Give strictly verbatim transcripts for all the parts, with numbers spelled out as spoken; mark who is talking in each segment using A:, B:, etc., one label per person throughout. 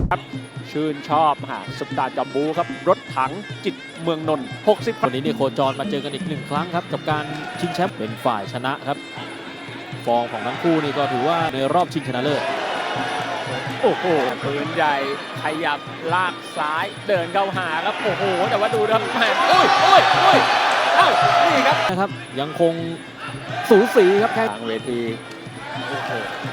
A: ครับชื่นชอบหาสุดตาจอมบูครับรถถังจิตเมืองนนท์หกสิบ
B: วันนี้เนี่ยโคจรมาเจอกันอีกหนึ่งครั้งครับกับการชิงแชมป์เป็นฝ่ายชนะครับฟอร์มของทั้งคู่นี่ก็ถือว่าในรอบชิงชนะเลิศ
A: โอ้โหปืนใหญ่ขยับลากซ้ายเดินเข้าหาครับโอ้โหแต่ว่าดูครับแหมโอ้ยโอ้ยโอ้ยเอ้านี่ครับ
B: นะครับยังคงสูสีครับแค่
A: ทางเวทีโอ้โห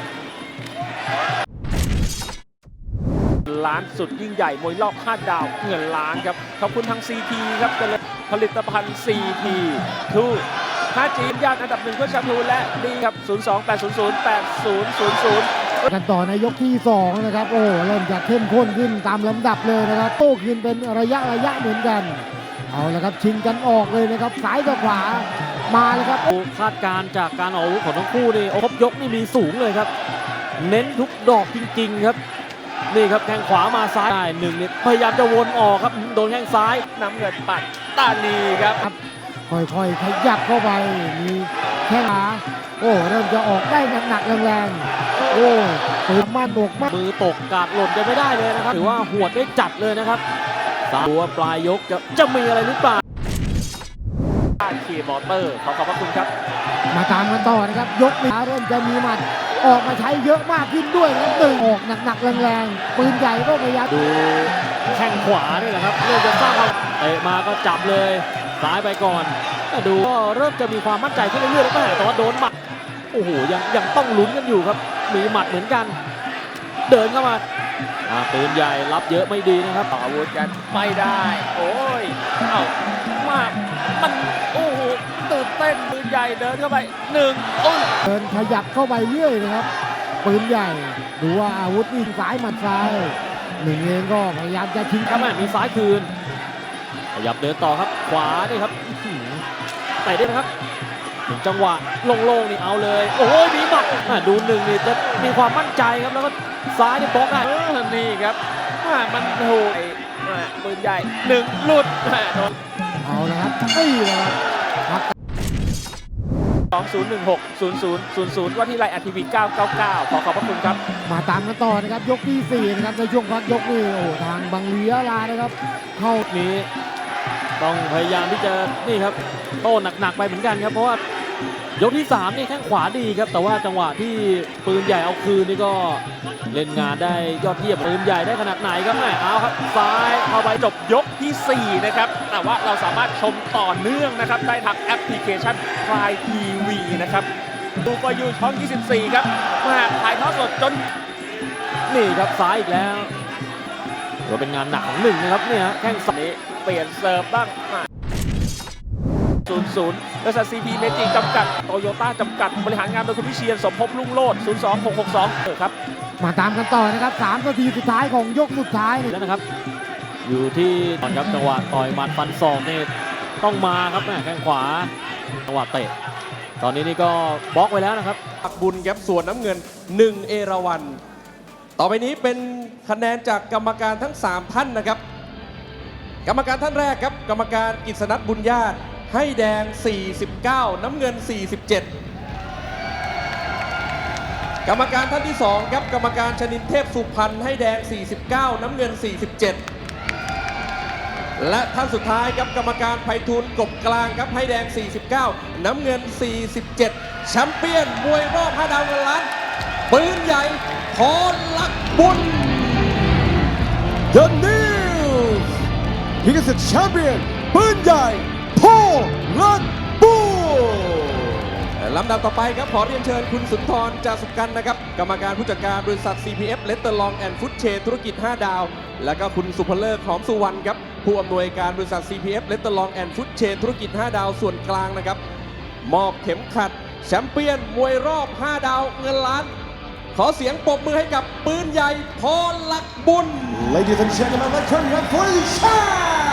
A: ล้านสุดยิ่งใหญ่มวยรอบห้าดาวเงินล้านครับขอบคุณทาง ซี ที ครับผลิตภัณฑ์ ซี ที ทู ห้า จี ญาติอันดับหนึ่งเพื่อชาทูและดีครับ ศูนย์ สอง แปด ศูนย์ ศูนย์ แปด ศูนย์ ศูนย์ ศูนย์
C: กันต่อในยกที่สองนะครับโอ้เริ่มจะเข้มข้นขึ้นตามลำดับเลยนะครับโต้คืนเป็นระยะระยะเหมือนกันเอาละครับชิงกันออกเลยนะครับซ้ายกับขวามาเลยครับ
B: คาดการณ์จากการออกอาวุธของทั้งคู่นี่ครบยกนี่มีสูงเลยครับเน้นทุกดอกจริงๆครับนี่ครับแข้งขวามาซ้ายได้หนึ่งนี่พยายามจะวนออกครับโดนแข้งซ้าย
A: น้ำเงินปัดตานีครับ
C: ค่อยๆขยับเข้าไปมีแข้งขาโอ้เริ่มจะออกได้หนักๆแรงๆโอ้ปืนมาตกมาก
B: มือตกกาดหล่นจะไม่ได้เลยนะครับถือว่าหวดได้จัดเลยนะครับดูว่าปลายยกจะจะมีอะไรหรือเปล่า
A: ขี่มอเตอร์ขอขอบพระคุณครับ
C: มาตามกันต่อนะครับยกนี้เริ่มจะมีหมัดออกมาใช้เยอะมากขึ้นด้วยนะตึงออกหนักๆแรงๆปืนใหญ่ก็พยายาม
B: ดูแข้งขวานี่แหละครับเริ่มจะสร้างความเตะมาก็จับเลยซ้ายไปก่อนดูก็เริ่มจะมีความมั่นใจขึ้นเรื่อยๆแล้วแต่ว่าโดนหมัดโอ้โหยังยังต้องลุ้นกันอยู่ครับมีหมัดเหมือนกันเดินเข้ามาปืนใหญ่รับเยอะไม่ดีนะครับ
A: อาวุธกันไม่ได้โอ้ยเอ้ามากมันโอ้โหตื่นเต้นปืนใหญ่เดินเข้าไปหนึ่ง
C: เดินขยับเข้าไปเรื่อยนะครับปืนใหญ่ดูว่าอาวุธนี่ซ้ายหมัดซ้ายหนึ่งเองก็พยายามจะชิง
B: ครับแม่มีซ้ายคืนขยับเดินต่อครับขวานี่ครับไปได้ไหมครับถึงจังหวะโล่งๆนี่เอาเลยโอ้ยมีหมัดดูหนึ่งนี่จะมีความมั่นใจครับแล้วก็ซ้ายนี่บล็อกได้
A: นี่ครับมันถูกปืนใหญ่หนึ่งหลุดโดน
C: เอาละครับนี่เลยครับ
A: สองศูนย์หนึ่งหกศูนย์ศูนย์ศูนย์ศูนย์ว่าที่ไลน์อาร์ทีวีเก้าเก้าเก้าขอขอบพระคุณครับ
C: มาตามกันต่อนะครับยกที่สี่นะครับในช่วงพักยกนี้โอ้ทางบังเลียลานะครับเข้า
B: นี้ต้องพยายามที่จะนี่ครับโต้หนักๆไปเหมือนกันครับเพราะว่ายกที่สามนี่แข้งขวาดีครับแต่ว่าจังหวะที่ปืนใหญ่เอาคืนนี่ก็เล่นงานได้ยอดเยี่ยมปืนใหญ่ได้ขนาดไหนครับแม่เอาครับซ้ายเข้าไป
A: จบยกที่สี่นะครับแต่ว่าเราสามารถชมต่อเนื่องนะครับได้ทางแอปพลิเคชัน Prime ที วี นะครับดูฟอร์ยูช่องยี่สิบสี่ครับมาถ่ายทอดสดจน
B: นี่ครับซ้ายอีกแล้วก็เป็นงานหนักของหนึ่งนะครับเนี่ยแข้งซ้าย
A: เปลี่ยนเซิร์ฟบ้างศูนย์ ศูนย์บริษัท ซี พี เมจิจำกัดโตโยต้าจำกัดบริหารงานโดยคุณวิเชียรสมภพลุ่งโลดศูนย์ สอง หก หก สองเออครับ
C: มาตามกันต่อนะครับสามนาทีสุดท้ายของยกสุดท้าย
B: แล้วนะครับอยู่ที่ตอนครับจังหวะต่อยหมัดฟันศอกนี่ต้องมาครับแม่แข้งขวาจังหวะเตะตอนนี้นี่ก็บล็อกไว้แล้วนะครับ
D: ปักบุญครับส่วนน้ำเงินหนึ่งเอราวัณต่อไปนี้เป็นคะแนนจากกรรมการทั้งสามท่านนะครับกรรมการท่านแรกครับกรรมการกฤษณัทบุญญาติให้แดงสี่สิบเก้าน้ำเงินสี่สิบเจ็ดกรรมการท่านที่สองครับกรรมการชนินเทพสุพรรณให้แดงสี่สิบเก้าน้ำเงินสี่สิบเจ็ดและท่านสุดท้ายครับกรรมการไพฑูรย์กบกลางครับให้แดงสี่สิบเก้าน้ำเงินสี่สิบเจ็ดแชมเปี้ยนมวยรอบห้าดาวเงินล้านปืนใหญ่พรลักษณ์บุญ
E: The News He is the champion ปืนใหญ่พรลักษณ์บุญ
D: ลำดับต่อไปครับขอเรียนเชิญคุณสุนทร จาสุกันนะครับกรรมการผู้จัดการบริษัท ซี พี เอฟ เลตเตอร์ลองแอนด์ฟู้ดเชนธุรกิจห้าดาวและก็คุณสุภเลิศหอมสุวรรณครับผู้อำนวยการบริษัท ซี พี เอฟ เลตเตอร์ลองแอนด์ฟู้ดเชนธุรกิจห้าดาวส่วนกลางนะครับมอบเข็มขัดแชมเปี้ยนมวยรอบห้าดาวเงินล้านขอเสียงปรบมือให้กับปืนใหญ่พรลักษณ์บุญ
E: Ladies and gentlemen, let's turn it up for the champ